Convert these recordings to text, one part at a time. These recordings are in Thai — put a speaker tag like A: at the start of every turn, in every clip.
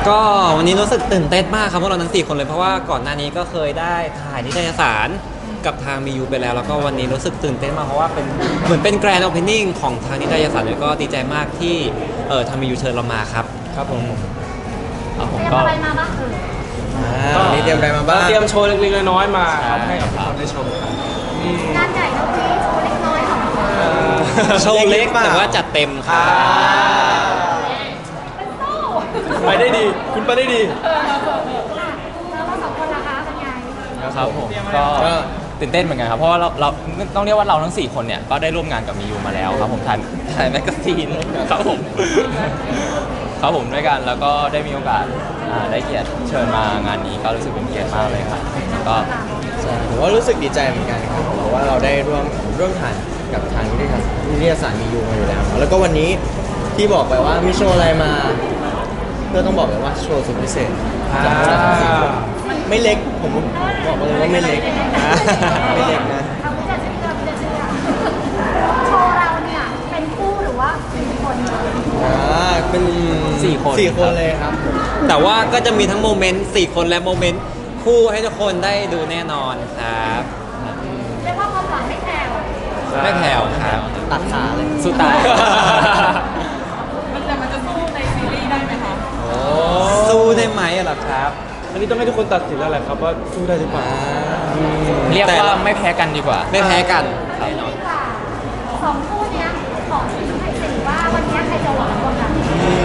A: ก็วันนี้รู้สึกตื่นเต้นมากครับพวกเราทั้ง4คนเลยเพราะว่าก่อนหน้านี้ก็เคยได้ถ่ายนิตยสารกับทางมียูไปแล้วแล้วก็วันนี้รู้สึกตื่นเต้นมากเพราะว่าเป็นเหมือนเป็นแกรนด์โอเพนนิ่งของทางนิตยสารแล้วก็ดีใจมากที่ทางมียูเชิญเรามาครับ
B: ครับผม
C: เตรียม
B: ก็
C: อะไรมาบ้าง
B: วันนี้เตรียมอะไรมาบ้าง
D: เตรียมโชว์เล็กๆน้อยๆมาครับให้กับทุกคนได้ชมครับ
C: งานใหญ่เท่านี้โชว์เล็กน้อยของคุณ
A: โชว์เล็กแต่ว่าจัดเต็มครับ
C: เป็นโซ่
D: ไปได้ดีคุณไปได้ดี
C: แล้วเราสองคนล่ะคะเป็นไง
E: ครับผมก็ตื่นเต้นเหมือนกันครับเพราะว่าเราต้องเรียกว่าเราทั้ง4คนเนี่ยก็ได้ร่วมงานกับมียูมาแล้วครับผมถ่ายแมกกาซีนครับผมครับผมด้วยกันแล้วก็ได้มีโอกาสได้เกียรติเชิญมางานนี้ก็รู้สึกเป็นเกียรติมากเลยครับก็
B: ผมว่ารู้สึกดีใจเหมือนกันครับเพราะว่าเราได้ร่วมถ่ายกับทางนิตยสารมียูมาอยู่แล้วแล้วก็วันนี้ที่บอกไปว่ามีโชว์อะไรมาก็ต้องบอกเลยว่าโชว์สุดพิเศษจากพวกเราทั้งสี่คนไม่เล็กผมบอกเลยว่าไม่เล็กไม่เล็กนะ
C: เอาไม่จะเชื่อไม่จะเชื่อโชว์เราเนี่ยเป็นคู่หรือว่าเป็นคน
B: เป็น4 คนเลยครับ
A: แต่ว่าก็จะมีทั้งโมเมนต์4คนและโมเมนต์คู่ให้ทุกคนได้ดูแน่นอนครับ
C: เรียกว่าความหวานไม่แผ่ว
A: ไม่แผ่วครับ
B: ตัดขาเลย
E: สู้ตาย
F: มันจะสู้ในซีรีส์ได้ไหมคะ
A: สู้ได้ไหมอะล่ะครับ
D: อันนี้ต้องให้ทุกคนตัดสินแล้วแหละครับว่าสู้ได้หรือเปล่า
E: เรียกว่าไม่แพ้กันดีกว่า
A: ไม่แพ้กัน
C: ดีกว่าสองคู่เนี้ยขอชี้ให้สิว่าวันเนี้ยใครจะหวานกว่ากัน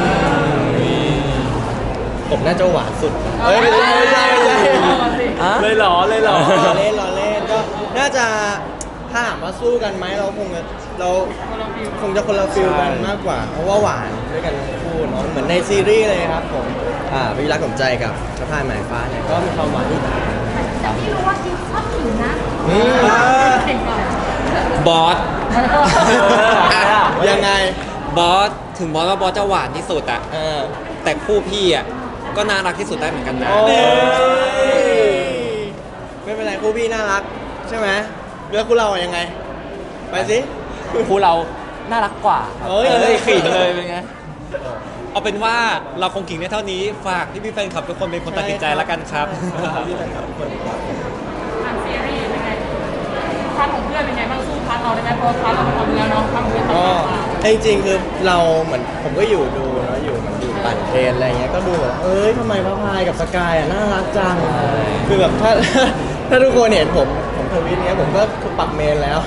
B: ผมน่าจะหวานสุดไม่ใช่
D: เลยเหรอ
B: ล้อเล่นก็น่าจะถ้าถามว่าสู้กันไหมเราคงจะคนละฟิลกันมากกว่าเพราะว่าหวานด้วยกันทั้งคู่เนาะเหมือนในซีรีส์เลยครับผมวิรักผมใจกับสะพายหมายฟ้าเนี่ยก็มีความหวานที่ต่างกัน
C: แต่พี่รู้ว่าคิดชอบผิวนะเห็นก่อน
A: บอส
B: ยังไง
A: บอสถึงบอสว่าบอสจะหวานที่สุดอะแต่คู่พี่อะก็น่ารักที่สุดได้เหมือนกันนะ
B: ไม่เป็นไรคู่พี่น่ารักใช่ไหมเลือกคู่เรายังไงไปสิ
E: คู่เราน่ารักกว่าครับ
B: เอ้ย
E: ขิงเลยเป็นไง
A: เอาเป็นว่าเราคงกิ่งได้เท่านี้ฝากพี่แฟนคลับทุกคนเป็นคนตัดสินใจแล้วกันครับ
B: พี่แฟนคลับทุกคน
F: ผ่านซีรีส์เป็นไงพาร์ทของเพื่อนเป็นไงบ้างสู้พาร์ทเราได้ไหมเพราะพาร์ทเราเป็นคนเนื้อเนาะพาร์ทของเพื่อน
B: ก็จริงๆคือเราเหมือนผมก็อยู่ดูเนาะอยู่ปั่นเทรนอะไรเงี้ยก็ดูแบบทำไมพระพายกับสกายน่ารักจังคือแบบถ้าทุกคนเห็นผมทวิตเนี้ยผมก็ปักเมนแล้ว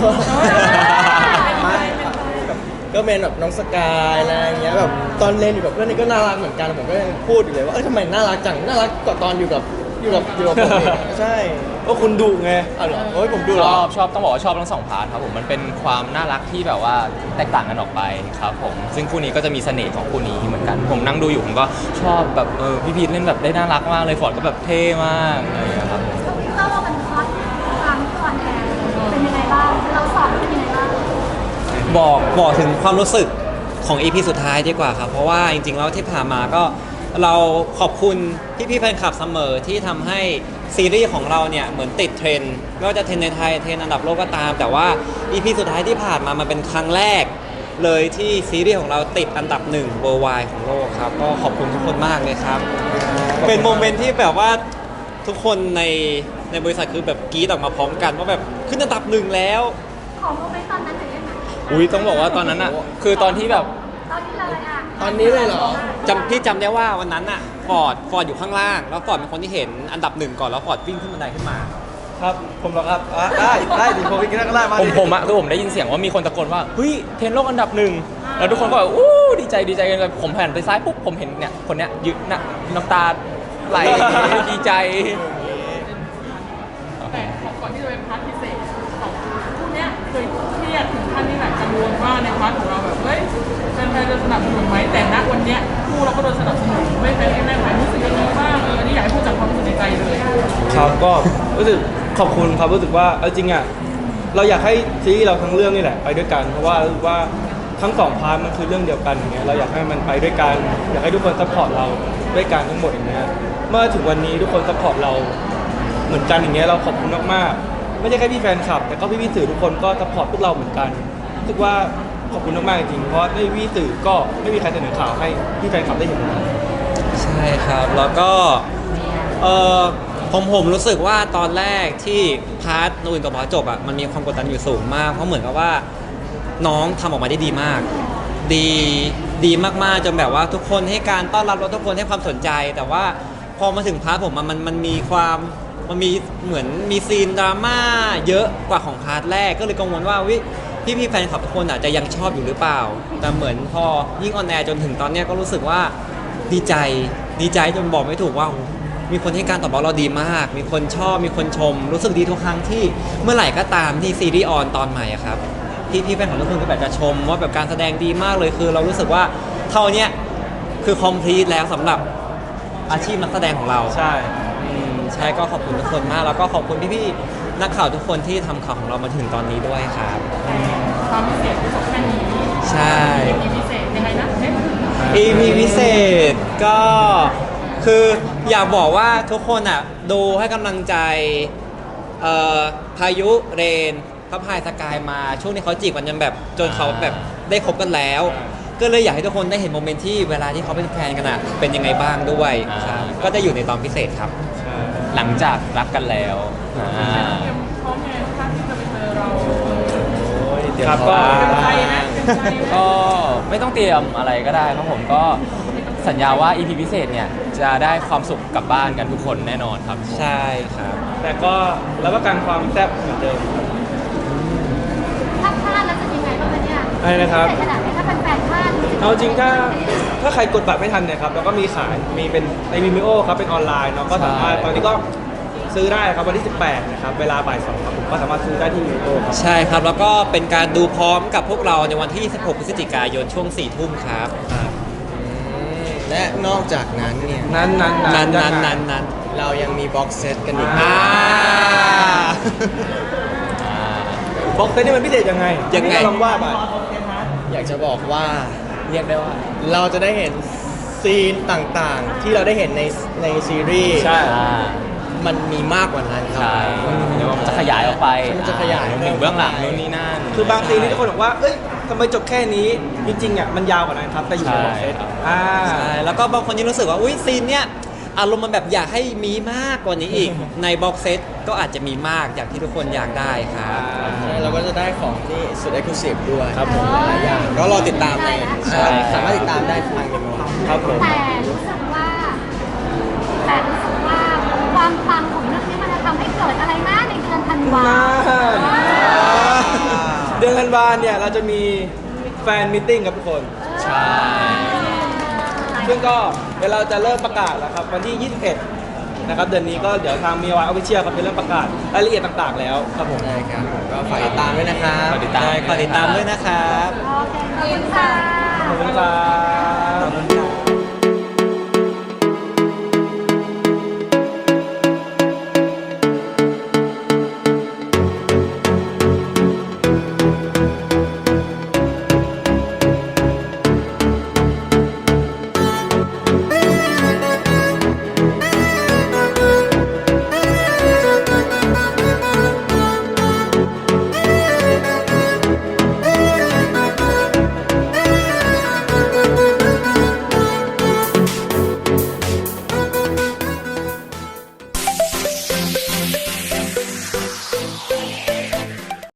B: ก็เมนแบบน้องสกายอะไรเงี้ยแบบตอนเล่นอยู่กับเพื่อนนี่ก็น่ารักเหมือนกันผมก็ยังพูดอยู่เลยว่าทำไมน่ารักจังน่ารักกว่าตอนอยู่กับผมเองใช่
D: ก็คุณดุไง
B: เอาเหรอผมดูเหรอ
E: ชอบต้องบอกว่าชอบทั้งสองพาร์ทครับผมมันเป็นความน่ารักที่แบบว่าแตกต่างกันออกไปครับผมซึ่งคู่นี้ก็จะมีเสน่ห์ของคู่นี้เหมือนกันผมนั่งดูอยู่ผมก็ชอบแบบพี่พีทเล่นแบบได้น่ารักมากเลยฟอร์ดก็แบบเท่มากอะไรอย่างเงี้ยครับผม
C: เราเป็นคอสครั้งก่อนแทนเป็นยังไงบ้างเราสอนเป็นยังไงบ้าง
A: บอกถึงความรู้สึกของ EP สุดท้ายดีกว่าครับเพราะว่าจริงๆแล้วที่ผ่านมาก็เราขอบคุณพี่ๆแฟนคลับเสมอที่ทำให้ซีรีส์ของเราเนี่ยเหมือนติดเทรนด์ไม่ว่าจะเทรนด์ในไทยเทรนด์อันดับโลกก็ตาม แต่ว่า EP สุดท้ายที่ผ่านมามันเป็นครั้งแรกเลยที่ซีรีส์ของเราติดอันดับ1 worldwide ของโลกครับก็ขอบคุณทุกคนมากเลยครับ เป็นโมเมนต์ที่แบบว่าทุกคนในบริษัทคือแบบกรี๊ดออกมาพร้อมกันว่าแบบขึ้นอันดับ1แล้ว
C: ของโมเมนต์ตอนนั้นจะยังไง
E: อุ้ยต้องบอกว่าตอนนั้นอ่ะคือตอนที่แบบ
C: ตอนนี้เลยอ่ะ
B: ตอนนี้เลยเหรอ
A: พี่จำได้ว่าวันนั้นอะฟอร์ดอยู่ข้างล่าง แล้วฟอร์ดเป็นคนที่เห็นอันดับ1ก่อนแล้วฟอร์ดวิ่งขึ้นบันไดขึ้นมา
D: ครับผมเหรอครับได้ดิผมไปกินก็ได้มา
E: ผมอะคือผมได้ยินเสียงว่ามีคนตะโกนว่าเฮ้ยเทรนด์โลกอันดับ1แล้วทุกคนก็แบบอู้ดีใจกันเลยผมหันไปซ้ายปุ๊บผมเห็นเนี่ยคนเนี้ยยืนน่ะน้ำตาไหลดีใจ
F: แต่ก่อนที่จะเป็นพาร์ทพิเศษของคู่เนี้ยเคยเครียดถึงขั้นที่แบบกังวลว่าในพาร์ทของเราแบบเฮ้ยแฟนๆจะสนับสนุนไหมแต่ณวันเนี้ยคู่เราก็โดนสนับสนุนไม่เป็นแม่หมายรู้สึกยังไงบ้างอันนี้อยากให้พูดจากความรู้สึกในใจเลย
D: ครับก็รู้สึกขอบคุณครับรู้สึกว่าจริงอ่ะเราอยากให้ซีรีส์เราทั้งเรื่องนี่แหละไปด้วยกันเพราะว่ารู้ว่าทั้ง2 พาร์ทมันคือเรื่องเดียวกันอย่างเงี้ยเราอยากให้มันไปด้วยกันอยากให้ทุกคนซัพพอร์ตเราด้วยกันทั้งหมดอย่างเงี้ยเมื่อถึงวันนี้ทุกคนซัพพอร์ตเราเหมือนกันอย่างเงี้ยเราขอบคุณมากๆไม่ใช่แค่พี่แฟนคลับแต่ก็พี่สื่อทุกคนก็ซัพพอร์ตพวกเราเหมือนกันรู้สึกว่าขอบคุณมากๆจริงๆเพราะไม่พี่สื่อก็ไม่มีใครเสนอข่าวให้พี่แฟนคลับได้เห็น
A: ใใช่ครับแล้วก็เออผมรู้สึกว่าตอนแรกที่พาร์ทนูนกับบอสจบอ่ะมันมีความกดดันอยู่สูงมากเพราะเหมือนกับว่าน้องทำออกมาได้ดีมาก ดีดีมากๆจนแบบว่าทุกคนให้การต้อนรับแล้วทุกคนให้ความสนใจ แต่ว่าพอมาถึงพาร์ทผมมันมีความมันมีเหมือนมีซีนดราม่าเยอะกว่าของพาร์ทแรกก็เลยกังวลว่าวิพี่แฟนคลับทุกคนอาจจะยังชอบอยู่หรือเปล่า แต่เหมือนพอยิ่งออนแอร์จนถึงตอนเนี้ยก็รู้สึกว่าดีใจจนบอกไม่ถูกว่า มีคนให้การตอบรับเราดีมาก มีคนชอบ มีคนชม รู้สึกดีทุกครั้งที่เมื่อไหร่ก็ตามที่ซีรีส์ออนตอนใหม่อะครับพี่แฟนของทุกคนก็แบบจะชมว่าแบบการแสดงดีมากเลยคือเรารู้สึกว่าเท่าเนี้ยคือคอมพลีทแล้วสำหรับอาชีพนักแสดงของเรา
D: ใช่
A: ใช่ก็ขอบคุณทุกคนมาก แล้วก็ขอบคุณพี่ๆนักข่าวทุกคนที่ทำข่าวของเรามาถึงตอนนี้ด้วยครับ
F: ความพิเศษที่สำคัญนี้
A: ใช่
F: มีพิเศษยังไงนะเอ๊ะ
A: EP พิเศษก็คืออยากบอกว่าทุกคนอ่ะดูให้กำลังใจพายุเรนพระพายสกายมาช่วงนี้เขาจีบกันจนแบบจนเขาแบบได้คบกันแล้ว ก็เลยอยากให้ทุกคนได้เห็นโมเมนต์ที่เวลาที่เขาเป็นแฟนกันอ่ะเป็นยังไงบ้างด้วยครับก็จะอยู่ในตอนพิเศษครับ
E: หลังจากรักกันแล้วอ่า
F: เตรียมพร้อมไงถ้าที่จะไปเจอเรา
D: ครับก็
F: เตรียมใจไหมเตรียมใจไหม
E: ก็ไม่ต้องเตรียมอะไรก็ได้ครับผมก็สัญญาว่า EP พิเศษเนี่ยจะได้ความสุขกลับบ้านกันทุกคนแน่นอนครับ
A: ใช่ครับ
D: แต่ก็รับประกันความแซ่บเหมือนเดิม
C: ถ้าพลาดแล้วจะยังไงบ้างคะเนี่ย
D: อะไรนะครับ
C: พิเศษขนาดนี้ถ้าเป็นแฟนพลาด
D: เอาจริงถ้าใครกดบัตรไม่ทันเนี่ยครับเราก็มีขายมีเป็นในมิมิโอครับเป็นออนไลน์เนาะก็สามารถ
E: ใช่
D: ตอนนี้ก็ซื้อได้ครับวันที่ 18 นะครับเวลาบ่าย 2ครับผมก็สามารถซื้อได้ที่มิมิโอครับ
A: ใช่ครับแล้วก็เป็นการดูพร้อมกับพวกเราในวันที่ 16 พฤศจิกายนช่วง 4 ทุ่มครับ
B: และนอกจากนั้นเนี่ย
D: นั้น
A: นั้น
B: เรายังมีบ็อกเซตกันอีก
A: อ่า
D: บ็อกเซตนี่มันพิเศษยังไง
A: ยังไง
D: พี่ก็ลองว่าไป
B: อยากจะบอกว่า
E: เรียกได้ว่า
B: เราจะได้เห็นซีนต่างๆ ที่เราได้เห็นในซีรีส์
D: ใช่
E: อ่า
B: มันมีมากกว่านั้นครั
E: ใช่
B: บ
E: เดี๋ยวมันจะขยายออกไป
B: มันจะขยาย
E: ถึงเบื้องหลังนู่นนี่นั่น
D: คือบางซีนที่ทุกคนบอกว่าเอ้ยทำไมจบแค่นี้จริงๆอ่ะมันยาวกว่านั้นครับแต่อยู่ในบ็อกเซต
E: ใช่ครับ
A: ใช่แล้วก็บางคนยังรู้สึกว่าอุ้ยซีนเนี้ยอารมณ์มันแบบอยากให้มีมากกว่านี้อีก ในบ็อกเซตก็อาจจะมีมากอย่างที่ทุกคนอยากได้ครับ
B: ใช่เราก็จะได้ของที่สุดเอ็กซ์คลูซีฟด้วย
D: ครับผม
B: หลายอย่างก็รอติดตามใน
A: ใช่
B: สามารถติดตามได้ทางมิโม
D: ครับผม
C: แต่รู้สึกว่าความปังของเรื่องนี้มันจะทำให้เกิดอะไรนะในเดือนธันวา
D: เดือนธันวาเนี่ยเราจะมีแฟนมิทติ้งกับทุกคน
E: ใช่
D: ซึ่งก็เดี๋ยวเราจะเริ่มประกาศแล้วครับวันที่ 21 นะครับเดือนนี้ก็เดี๋ยวทางมีวายออฟฟิเชียลครับจะเริ่มประกาศรายละเอียดต่างๆแล้วครับผม
B: ใช่ครับก็ฝากติดตามด้วยนะครับ
E: ฝากติดตาม
A: ใช่ขอติดตามด้วยนะครับ
C: โอเคขอบคุณค่ะ
D: ขอบคุณครับ